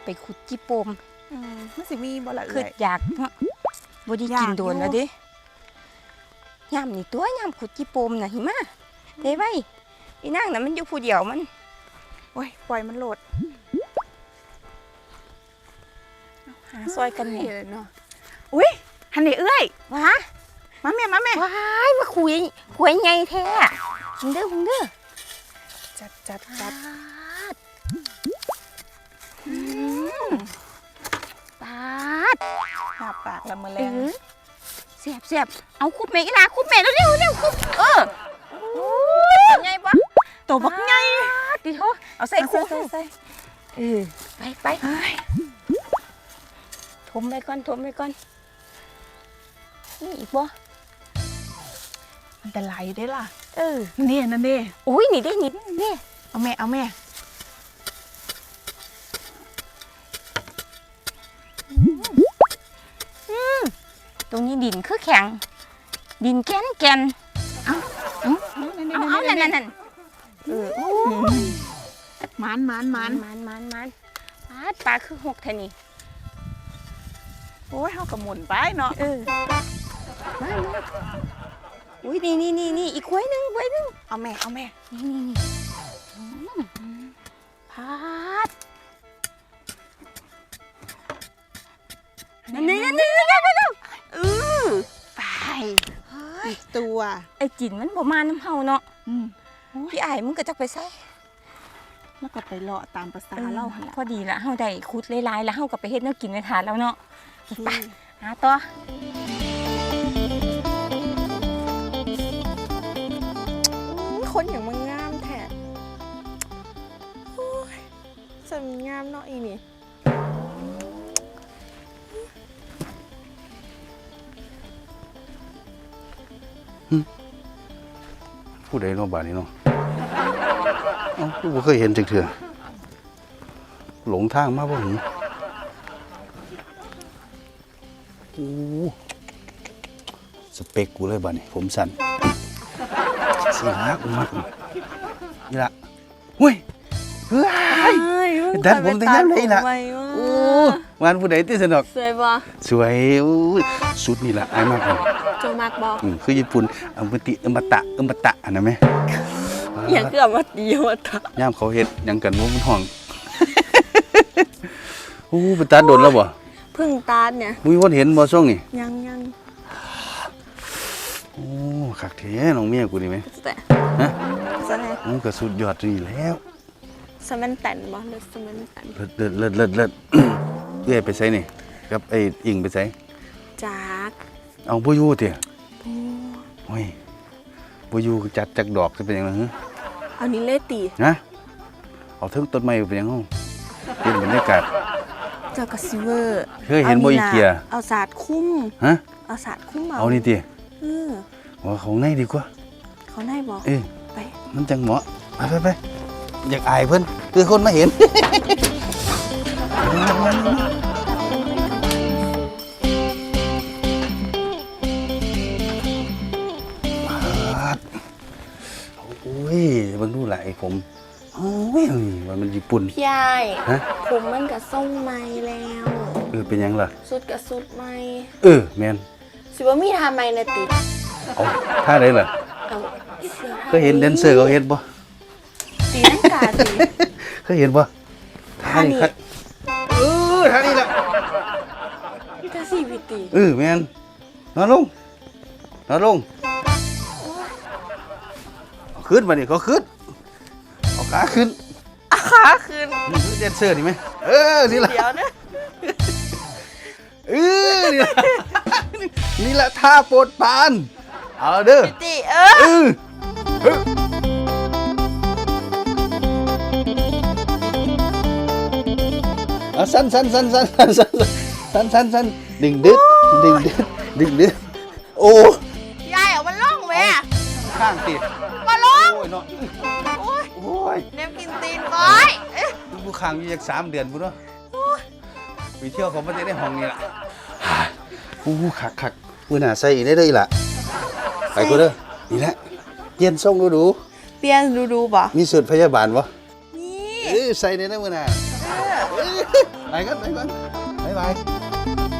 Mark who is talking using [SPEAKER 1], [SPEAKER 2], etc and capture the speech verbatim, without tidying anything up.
[SPEAKER 1] ไปขุดจิโปม
[SPEAKER 2] มันสิมีบ่ละเอ้ย
[SPEAKER 1] คืออยากเนาะบ่ได้กินโดนแล้วดิยามนี่ตัวยามขุดจิโปมน่ะหิมะเด้ไว้อีนางน่ะมันอยู่ผู้เดียวมัน
[SPEAKER 2] โอ้ยปล่อยมันโหลด
[SPEAKER 1] หาซอยกันแม่
[SPEAKER 2] เนาะอุ้ยหันนี่เอ้ย
[SPEAKER 1] ว้า
[SPEAKER 2] มาแม่มาแม่
[SPEAKER 1] ว้ายมาคุยคุยใหญ่แท้มึงเด้อมึงเด้อ
[SPEAKER 2] จัดจัดจัด
[SPEAKER 1] ปาด
[SPEAKER 2] หาปากละมือแร
[SPEAKER 1] เองอแซ่บแซ่บเอาคุบแม่อีนาคุบแม่เร็วเร็วเร็วคุบเออโอ้ยใหญ่ปะ
[SPEAKER 2] ตัวบักใหญ่
[SPEAKER 1] ดิโถ
[SPEAKER 2] เอาใส่คุกใส่
[SPEAKER 1] เออไปไปทมไปก่อนทมไปก่อนนี่อีกบ่
[SPEAKER 2] มันจะไหลได้ล่ะ
[SPEAKER 1] เออ
[SPEAKER 2] นี่นั่นดิ
[SPEAKER 1] โอ้ยนี่ได้นี่นี่
[SPEAKER 2] เอาแม่เอาแม่
[SPEAKER 1] ตรงนี้ดินคือแข็งดินแก่นแก่นเอาเอาเอานั่นนั่นนั่นเออโอ้
[SPEAKER 2] มันมันมัน
[SPEAKER 1] มันมันมันปลาปลาคือหกแท่นี่
[SPEAKER 2] โอ้ยเขากระหมุนไปเนาะ
[SPEAKER 1] เออมาอุ้ยนี่นี่นี่นี่อีกไว้หนึ่งไว้หนึ่ง
[SPEAKER 2] เอาแม่เอาแม่
[SPEAKER 1] นี่นี่นี่พัดนั่นนี่นั่นนี่นั่นนั่นนั่นเออไป
[SPEAKER 2] อีกตัว
[SPEAKER 1] ไอ้จิ๋นมันบ่มาน้ำเฮาเนาะพี่ไอ้มึงก็จักไปใส่
[SPEAKER 2] แล้วก็ไปเลาะตามภาษาเล่า
[SPEAKER 1] พอดีละเฮาได้คุดหลายๆแล้วเฮาก็ไปเฮ็ดแนวกินในถาดแล้วเนาะไปหาต่อ
[SPEAKER 2] คนอย่างมึงงามแท้จะมีงามเนาะอีนี่
[SPEAKER 3] ผู้ใดเนาะบ้านนี้เนาะเอ้าผู้บ่เคยเห็นจักเทื่อหลงทางมาบ่หึโอ้สเปคกูเลยบ้านนี้ผมสั้นสิฮักมักนี่ล่ะเฮ้ยเฮ้ยดัดผมแต่ยามใดล่ะโอ้งานผู้ใดติสนอก
[SPEAKER 1] สวยบ่
[SPEAKER 3] สวยโอ้สุดนี่ล่ะอ้ายมากเลย
[SPEAKER 1] จงมักบ่
[SPEAKER 3] อือคือญี่ปุ่นอมติอมตะอมตะอันนั้นแม่
[SPEAKER 1] อย่างคืออมติอมตะ
[SPEAKER 3] ยามเขาเฮ็ดหยังกันบ่มันห้องโอ้ไปตัดโดนแล้วบ่
[SPEAKER 1] เพิ่งตัดเนี่ย
[SPEAKER 3] มีคนเห็นบ่ช่วงนี้
[SPEAKER 1] ยังยัง
[SPEAKER 3] โอ้คักแท้น้องเมียกูนี่แม่ฮะ
[SPEAKER 1] ซะแน่
[SPEAKER 3] มันก็สุดยอดนี่แล้ว
[SPEAKER 1] สมันตันบ่เลิศสมันตัน
[SPEAKER 3] เลิศเลิศเลิศเลิศเอื้อยไปไสนี่กับไอ้อิงไปไส
[SPEAKER 1] จัก
[SPEAKER 3] เอาบ่อยู่ติ
[SPEAKER 1] บ่
[SPEAKER 3] โอ้ยบ่อยู่จัดจักดอกสิเป็นหยังล่ะฮะ
[SPEAKER 1] เอานี่เลยติ
[SPEAKER 3] ฮะเอาถึงต้นไม้เป็นหยังเฮาเป็นบรรยากาศ
[SPEAKER 1] เจ้าก็สิเวอร์
[SPEAKER 3] เคยเห็นบ่อีเกีย
[SPEAKER 1] เอาสาดคุ้ม
[SPEAKER 3] ฮะ
[SPEAKER 1] เอาสาดคุ้มเอา
[SPEAKER 3] เอานี่ติ
[SPEAKER 1] เออ
[SPEAKER 3] ว่าของในดีกว่า
[SPEAKER 1] เขาในบ่
[SPEAKER 3] เออ
[SPEAKER 1] ไป
[SPEAKER 3] มันจังเหมาะไปไปอยากอายเพิ่นคือคนมาเห็นโอ้ยเบิ่งดูหลายผมโอ้ยว่ามันญี่ปุ่น
[SPEAKER 1] พี่ใหญ่ฮะผมมันก็ส่งใหม่แล้ว
[SPEAKER 3] เออเป็นหยังล่ะ
[SPEAKER 1] สุดก็สุดใหม่
[SPEAKER 3] เออแม่น
[SPEAKER 1] สิบ่มีทำใหม่น่ะติ
[SPEAKER 3] เอาท่าใดล่ะเคยเห็นแดนเซอร์เขาเฮ็ดบ่
[SPEAKER 1] ตีลังกาติ
[SPEAKER 3] เคยเห็นบ่ท่านี้เออท่านี้ล่ะ
[SPEAKER 1] นี่ท่าสี่วิติ
[SPEAKER 3] เออแม่นนอนลงนอนลงเอาขึ้นมาดิเขาขึ้นเอาขาขึ้น
[SPEAKER 1] ขาขึ้น
[SPEAKER 3] นี่คือแดนเซอร์นี่ไหมเออนี่ล่ะ
[SPEAKER 1] เดี๋ยวนะ
[SPEAKER 3] เออนี่ล่ะนี่ล่ะท่าโปรดปรานเอาเด้อ
[SPEAKER 1] ติเออ
[SPEAKER 3] เอาสั้นสั้นสั้นสั้นสั้นสั้นสั้นสั้นดึงดึดดึงดึดดึงดึดโอ้
[SPEAKER 1] ยายเอามันล่องแม่
[SPEAKER 3] ข้างติด
[SPEAKER 1] มาล่อง
[SPEAKER 3] โอ้ยเนาะ
[SPEAKER 1] โอ้ย
[SPEAKER 3] โอ้ย
[SPEAKER 1] เนมกินตีนก้อย
[SPEAKER 3] กูข้างอยู่จากสามเดือนกูเนาะไปเที่ยวเขาไม่ได้ในห้องนี่ล่ะโอ้คักคักมือหน้าใส่อีกได้เลยล่ะไปกูเด้อนี่แหละเย็นส่งดูดู
[SPEAKER 1] เปลี่ยนดูดูบ่
[SPEAKER 3] มีสูตรพยาบาลบ่
[SPEAKER 1] นี่
[SPEAKER 3] เออใส่ในนั้นมือหน้าไปกันไปกันบ๊ายบาย